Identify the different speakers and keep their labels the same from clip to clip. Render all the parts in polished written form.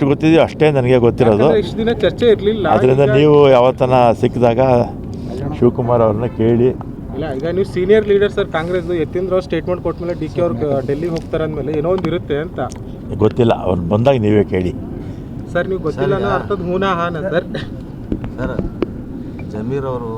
Speaker 1: ಎಷ್ಟು ಗೊತ್ತಿದೆಯೋ ಅಷ್ಟೇ ನನಗೆ ಗೊತ್ತಿರೋದು.
Speaker 2: ಇಷ್ಟು ದಿನ ಚರ್ಚೆ ಇರಲಿಲ್ಲ,
Speaker 1: ಅದರಿಂದ ನೀವು ಯಾವತ್ತನ ಸಿಕ್ಕಿದಾಗ ಶಿವಕುಮಾರ್ ಅವ್ರನ್ನ ಕೇಳಿ.
Speaker 2: ಇಲ್ಲ, ಈಗ ನೀವು senior leader sir Congress, Yathindra ಅವ್ರು ಸ್ಟೇಟ್ಮೆಂಟ್ ಕೊಟ್ಮೇಲೆ ಡಿ ಕೆ ಅವ್ರು ಡೆಲ್ಲಿಗೆ ಹೋಗ್ತಾರೆ ಅಂದಮೇಲೆ ಏನೋ ಒಂದು ಇರುತ್ತೆ ಅಂತ.
Speaker 1: ಗೊತ್ತಿಲ್ಲ, ಅವ್ರು ಬಂದಾಗ ನೀವೇ ಕೇಳಿ
Speaker 2: ಸರ್. ನೀವು ಗೊತ್ತಿಲ್ಲ ಅನ್ನೋ ಅರ್ಥದ ಹೂನಾ ಹಾನ ಸರ್.
Speaker 3: ಸರ್, ಜಮೀರ್ ಅವರು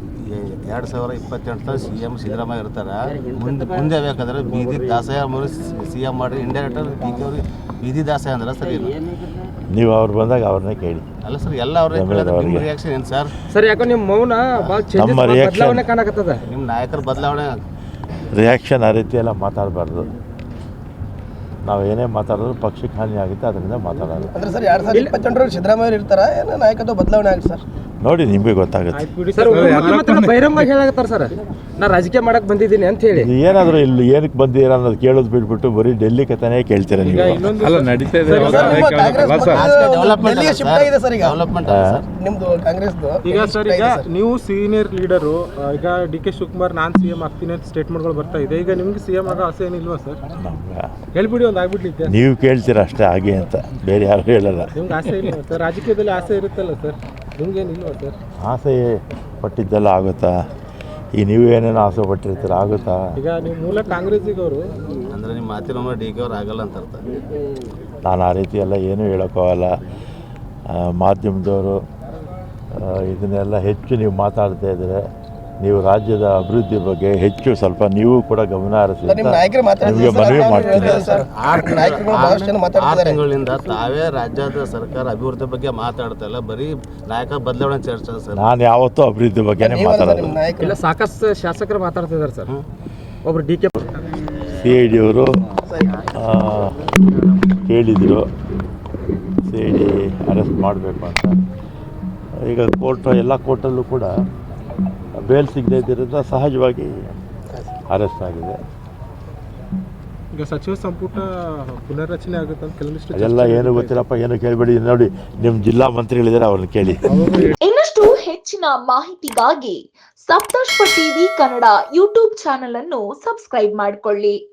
Speaker 3: 2028 CM ಸಿದ್ದರಾಮಯ್ಯ ಇರ್ತಾರೆ. ಮುಂದೆ ಬೇಕಾದ್ರೆ ಬೀದಿ ದಾಸಯ CM ಮಾಡಿ ಇಂಡೈರೆಕ್ಟ್ ಡಿ ಕೆ ಅವ್ರಿಗೆ ಬೀದಿ ದಾಸಯ ಅಂದ್ರೆ ಸರಿ ಇಲ್ಲ.
Speaker 1: ನೀವು ಅವ್ರು ಬಂದಾಗ ಅವ್ರನ್ನೇ ಕೇಳಿ.
Speaker 3: ಅಲ್ಲ ಸರ್, ಎಲ್ಲ ಅವ್ರಿಗೆ ನಿಮ್ಮ ರಿಯಾಕ್ಷನ್ ಏನು ಸರ್?
Speaker 4: ಸರ್, ಯಾಕೋ ನಿಮ್ಮ ಮೌನ
Speaker 1: ನಮ್ಮ ರಿಯಾಕ್ಷನ್
Speaker 4: ಕಾಣಕತ್ತದ.
Speaker 3: ನಿಮ್ಮ ನಾಯಕರ ಬದಲಾವಣೆ
Speaker 1: ರಿಯಾಕ್ಷನ್ ಆ ರೀತಿ ಎಲ್ಲ ಮಾತಾಡಬಾರ್ದು. ನಾವು ಏನೇ ಮಾತಾಡೋದು ಪಕ್ಷಕ್ಕೆ ಹಾನಿ ಆಗುತ್ತೆ, ಅದರಿಂದ ಮಾತಾಡೋದು.
Speaker 4: ಅಂದ್ರೆ ಸರ್ 2028 ಸಿದ್ದರಾಮಯ್ಯ ಇರ್ತಾರ, ಏನೋ ನಾಯಕತ್ವ ಬದಲಾವಣೆ ಆಗುತ್ತೆ ಸರ್?
Speaker 1: ನೋಡಿ, ನಿಮಗೆ ಗೊತ್ತಾಗುತ್ತೆ.
Speaker 4: ಸರ್, ಬಹಿರಂಗವಾಗಿ ಹೇಳಕತ್ತಾರ ಸರ್, ನಾ ರಾಜಕೀಯ ಮಾಡಕ್ ಬಂದಿದ್ದೀನಿ ಅಂತ ಹೇಳಿ.
Speaker 1: ಏನಾದರೂ ಇಲ್ಲಿ ಏನಕ್ಕೆ ಬಂದಿರ ಅನ್ನೋದು ಕೇಳೋದು ಬಿಟ್ಬಿಟ್ಟು ಬರೀ ಡೆಲ್ಲಿ ಕಥೆನೇ ಕೇಳ್ತೀರ ನೀವು.
Speaker 2: ಅಲ್ಲ, ನಡೀತಾ ಇದೆ
Speaker 4: ನಿಮ್ದು ಕಾಂಗ್ರೆಸ್ದು. ಈಗ
Speaker 2: ಸರ್, ಈಗ ನೀವು ಸೀನಿಯರ್ ಲೀಡರು, ಈಗ ಡಿ ಕೆ ಶಿವಕುಮಾರ್ ನಾನು CM ಆಗ್ತೀನಿ ಅಂತ ಸ್ಟೇಟ್ಮೆಂಟ್ಗಳು ಬರ್ತಾ ಇದೆ. ಈಗ ನಿಮ್ಗೆ CM ಆಗೋ ಆಸೆ ಏನಿಲ್ವಾ ಸರ್?
Speaker 1: ನಮ್ಗೆ
Speaker 2: ಹೇಳ್ಬಿಡಿ, ಒಂದು ಆಗ್ಬಿಡ್ಲಿಕ್ಕೆ.
Speaker 1: ನೀವು ಕೇಳ್ತೀರ ಅಷ್ಟೇ ಹಾಗೆ ಅಂತ, ಬೇರೆ ಯಾರು ಹೇಳಲ್ಲ.
Speaker 2: ನಿಮ್ಗೆ ಆಸೆ ಇಲ್ಲ ಸರ್? ರಾಜಕೀಯದಲ್ಲಿ ಆಸೆ ಇರುತ್ತಲ್ಲ ಸರ್, ನಿಮ್ಗೇನಿಲ್ವಾ ಸರ್?
Speaker 1: ಆಸೆ ಪಟ್ಟಿದ್ದೆಲ್ಲ ಆಗುತ್ತಾ? ಈಗ ನೀವು ಏನೇನೋ ಆಸೆ ಪಟ್ಟಿರ್ತೀರ, ಆಗುತ್ತಾ?
Speaker 2: ಈಗ ನೀವು ಮೂಲ ಕಾಂಗ್ರೆಸ್ಸಿಗವರು
Speaker 3: ಅಂದರೆ ನಿಮ್ಮ ಮಾತಿನ ಡಿ ಕೆ ಅವ್ರು ಆಗಲ್ಲ ಅಂತ ಅರ್ಥ.
Speaker 1: ನಾನು ಆ ರೀತಿ ಎಲ್ಲ ಏನೂ ಹೇಳೋಕ್ಕಾಗಲ್ಲ. ಮಾಧ್ಯಮದವರು ಇದನ್ನೆಲ್ಲ ಹೆಚ್ಚು ನೀವು ಮಾತಾಡ್ತಾ ಇದ್ದರೆ, ನೀವು ರಾಜ್ಯದ ಅಭಿವೃದ್ಧಿ ಬಗ್ಗೆ ಹೆಚ್ಚು ಸ್ವಲ್ಪ ನೀವು ಕೂಡ ಗಮನ ಹರಿಸಿ ಅಂತ ನಿಮಗೆ ಮನವಿ ಮಾಡ್ತೀನಿ.
Speaker 3: 6 ತಿಂಗಳಿಂದ ತಾವೇ ರಾಜ್ಯದ ಸರ್ಕಾರ ಅಭಿವೃದ್ಧಿ ಬಗ್ಗೆ ಮಾತಾಡ್ತಾ ಇಲ್ಲ, ಬರೀ ನಾಯಕ ಬದಲಾವಣೆ ಚರ್ಚೆ ಸರ್.
Speaker 1: ನಾನು ಯಾವತ್ತೂ ಅಭಿವೃದ್ಧಿ ಬಗ್ಗೆನೇ ಮಾತಾಡೋದು.
Speaker 4: ಇಲ್ಲ, ಸಾಕಷ್ಟು ಶಾಸಕರು ಮಾತಾಡ್ತಿದ್ದಾರೆ ಸರ್. ಒಬ್ರು ಡಿ ಕೆ
Speaker 1: CID ಅವರು ಕೇಳಿದರು, CID ಅರೆಸ್ಟ್ ಮಾಡಬೇಕು ಅಂತ. ಈಗ ಎಲ್ಲ ಕೋರ್ಟಲ್ಲೂ ಕೂಡ ಬೇಲ್ ಸಿಗದೇ ಇದ್ದರಿಂದ ಸಹಜವಾಗಿ ಅರೆಸ್ಟ್ ಆಗಿದೆ.
Speaker 2: ಈಗ ಸಚಿವ ಸಂಪುಟ ಪುನರ್ರಚನೆ ಆಗುತ್ತೆ ಅಂತ ಕೆಲವೊಂದಿಷ್ಟು
Speaker 1: ಅದೆಲ್ಲ ಏನು ಗೊತ್ತಿಲ್ಲಪ್ಪ, ಏನು ಕೇಳಬೇಡಿ. ನೋಡಿ, ನಿಮ್ಮ ಜಿಲ್ಲಾ ಮಂತ್ರಿಗಳಿದ್ದಾರೆ, ಅವ್ರನ್ನ ಕೇಳಿ.
Speaker 5: ಇನ್ನಷ್ಟು ಹೆಚ್ಚಿನ ಮಾಹಿತಿಗಾಗಿ Saptarshi TV Kannada YouTube channel ಅನ್ನು ಸಬ್ಸ್ಕ್ರೈಬ್ ಮಾಡಿಕೊಳ್ಳಿ.